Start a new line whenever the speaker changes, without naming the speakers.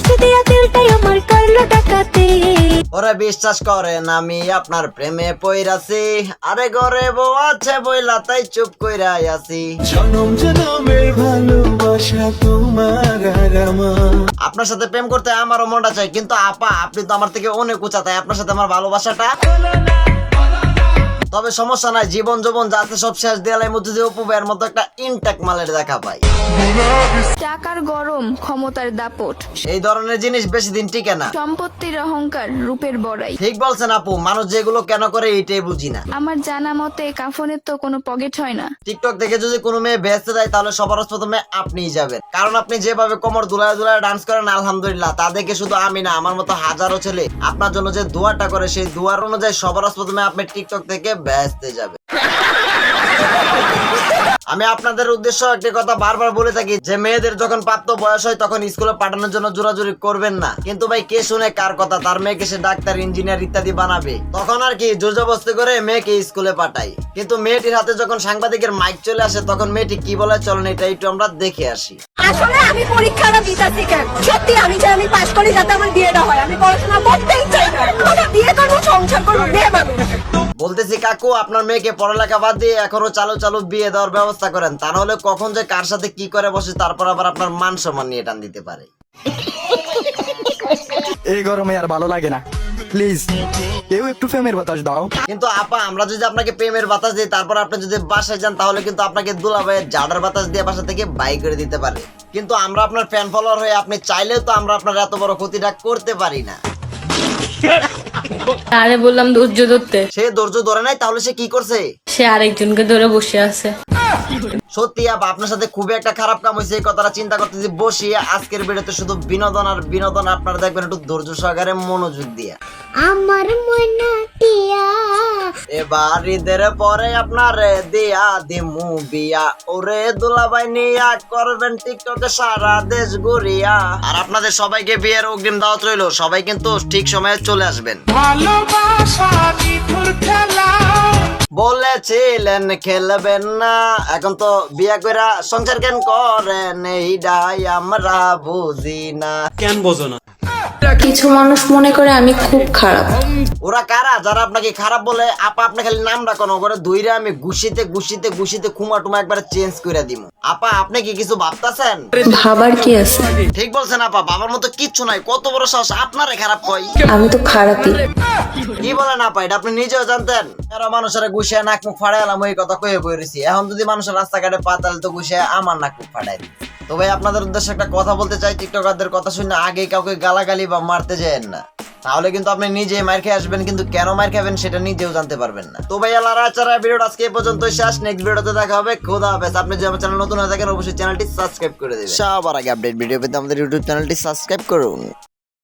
ফাঁসি দিয়া দিলটাই আমার করলো ডাকাতি।
ওরা বিশ্বাস করেন আমি আপনার প্রেমে পইরাছি, আরে ঘরে বউ আছে বইলা তাই চুপ কইরাই আছি।
জনম জনমের ভালোবাসা তোমার আর আমার।
আপনার সাথে প্রেম করতে আমারও মনটা চাই, কিন্তু আপা আপনি তো আমার থেকে অনেক উঁচা, তাই আপনার সাথে আমার ভালোবাসাটা। তবে সমস্যা নাই, জীবন যৌবন যা আছে সব শেষ দেয়ালের মধ্যে দিয়ে উপবের মতো একটা ইনটেক মালের দেখা পাই।
টাকার গরম, ক্ষমতার দাপট,
এই ধরনের জিনিস বেশি দিন টিকে না।
সম্পত্তির অহংকার, রূপের বড়াই।
ঠিক বলছেন আপু, মানুষ যেগুলো কেন করে এইটাই বুঝি না।
আমার জানা মতে কাফনের তো কোনো পকেট হয় না।
টিকটক থেকে যদি কোনো মেয়ে বেচতে দেয় তাহলে সবার প্রথমে আপনিই যাবেন, কারণ আপনি যেভাবে কোমর দুলায় দুলায় ডান্স করেন আলহামদুলিল্লাহ, তা দেখে শুধু আমি না আমার মতো হাজারো ছেলে আপনার জন্য যে দোয়াটা করে সেই দোয়ার অনুযায়ী সবার প্রথমে আপনি টিকটক থেকে বেচতে যাবেন। আমি আপনাদের উদ্দেশ্য একটি কথা বারবার বলে থাকি যে মেয়েদের যখন প্রাপ্ত বয়স হয় তখন স্কুলে পাঠানোর জন্য জোরাজুরি করবেন না, কিন্তু ভাই কে শুনে কার কথা, তার মেয়েকে সে ডাক্তার ইঞ্জিনিয়ার ইত্যাদি বানাবে, তখন আর কি জোরজবস্তি করে মেয়েকে স্কুলে পাঠাই। কিন্তু মেয়েটির হাতে যখন সাংবাদিকের মাইক চলে আসে তখন মেয়েটি কি বলে চলেন এটা একটু আমরা দেখে আসি।
আসলে আমি পরীক্ষাটা দিতেছি কেন, সত্যি আমি চাই আমি পাশ করি যাতে আমার বিয়েটা হয়। আমি পড়াশোনা করতেই চাই না, আমি বিয়ে করবো, সংসার করবো, বিয়ে পাবো।
বলতেছি কাকু আপনার মেয়েকে পড়ালেখা বাদ দিয়ে এখনো চালু চালু বিয়ে দেওয়ার ব্যবস্থা করেন, তা নাহলে কখন যে কার সাথে কি করে বসে তারপর আবার আপনার মান সম্মান নিয়ে টান দিতে পারে।
এই গরমে আর ভালো লাগে না, প্লিজ কেউ একটু প্রেমের বাতাস দাও।
কিন্তু আপা আমরা যদি আপনাকে প্রেমের বাতাস দিই তারপর আপনি যদি বাসায় যান তাহলে কিন্তু আপনাকে দুলাভাইয়ের জাডার বাতাস দিয়ে বাসা থেকে বাই করে দিতে পারে। কিন্তু আমরা আপনার ফ্যান ফলোয়ার হয়ে আপনি চাইলেও তো আমরা আপনার এত বড় ক্ষতিটা করতে পারি না।
আরে বললাম ধৈর্য ধরতে,
সে ধৈর্য ধরে নাই তাহলে সে কি করছে?
সে আরেকজনকে ধরে বসে আছে।
সত্যি আপা আপনার সাথে খুবই একটা খারাপ কাম হয়েছে, এই কথাটা চিন্তা করতেছি বসিয়ে আজকের ভিডিওতে শুধু বিনোদন আর বিনোদন। আপনারা দেখবেন একটু ধৈর্য সহকারে মনোযোগ দিয়ে।
আমার মনাটিয়া
এবার ঈদের পরে আপনার দিয়া দিমু বিয়া, ওরে দুলাভাই নিয়া করবেন টিকটকে সারা দেশ ঘুরিয়া। আর আপনাদের সবাইকে বিয়ের অগ্রিম দাওয়াত রইলো, সবাই কিন্তু ঠিক সময়ে চলে আসবেন। বলেছিলেন খেলবেন না, এখন তো বিয়া কইরা সংসার কেন করেন এইটাই আমরা বুঝি না।
কেন বোঝো না?
কিছু মানুষ মনে করে আমি খুব খারাপ।
ওরা কারা যারা আপনাকে খারাপ বলে? আপা আপনি খালি নামটা কোনো করে দুইরে আমি গুছিতে গুছিতে গুছিতে খুমা টুমা একবার চেঞ্জ করে দিব। আপা আপনি কি কিছু ভাবতাছেন?
ভাবার কি আছে?
ঠিক বলছেন আপা, বাবার মতো কিচ্ছু নাই, কত বড় সাহস আপনারে খারাপ কই।
আমি তো খারাপই।
কি বলেন আপা, এটা আপনি নিজেও জানতেন? এরা মানুষের গুছিয়ে নাক মুখ ফাড়াই এলাম এই কথা কয়ে বইরেছি, এখন যদি মানুষের রাস্তাঘাটে পা তাহলে তো গুছিয়ে আমার নাক মুখ ফাড়াই দিচ্ছে। তো ভাই আপনাদের উদ্দেশ্যে একটা কথা বলতে চাই, টিকটকারদের কথা শুনে আগে কাউকে গালাগালি বা মারতে যাবেন না, তাহলে কিন্তু আপনি নিজে মার খেয়ে আসবেন, কিন্তু কেন মার খাবেন সেটা নিজেও জানতে পারবেন না। তো ভাই আল্লাহ আচারা ভিডিওটা আজকে এই পর্যন্তই শেষ, নেক্সট ভিডিওতে দেখা হবে। খোদা হাফেজ। আপনি যদি আমার চ্যানেল নতুন হয়ে থাকেন অবশ্যই চ্যানেলটি সাবস্ক্রাইব করে দেবেন। সবার আগে আপডেট ভিডিও পেতে আমাদের ইউটিউব চ্যানেলটি সাবস্ক্রাইব করুন।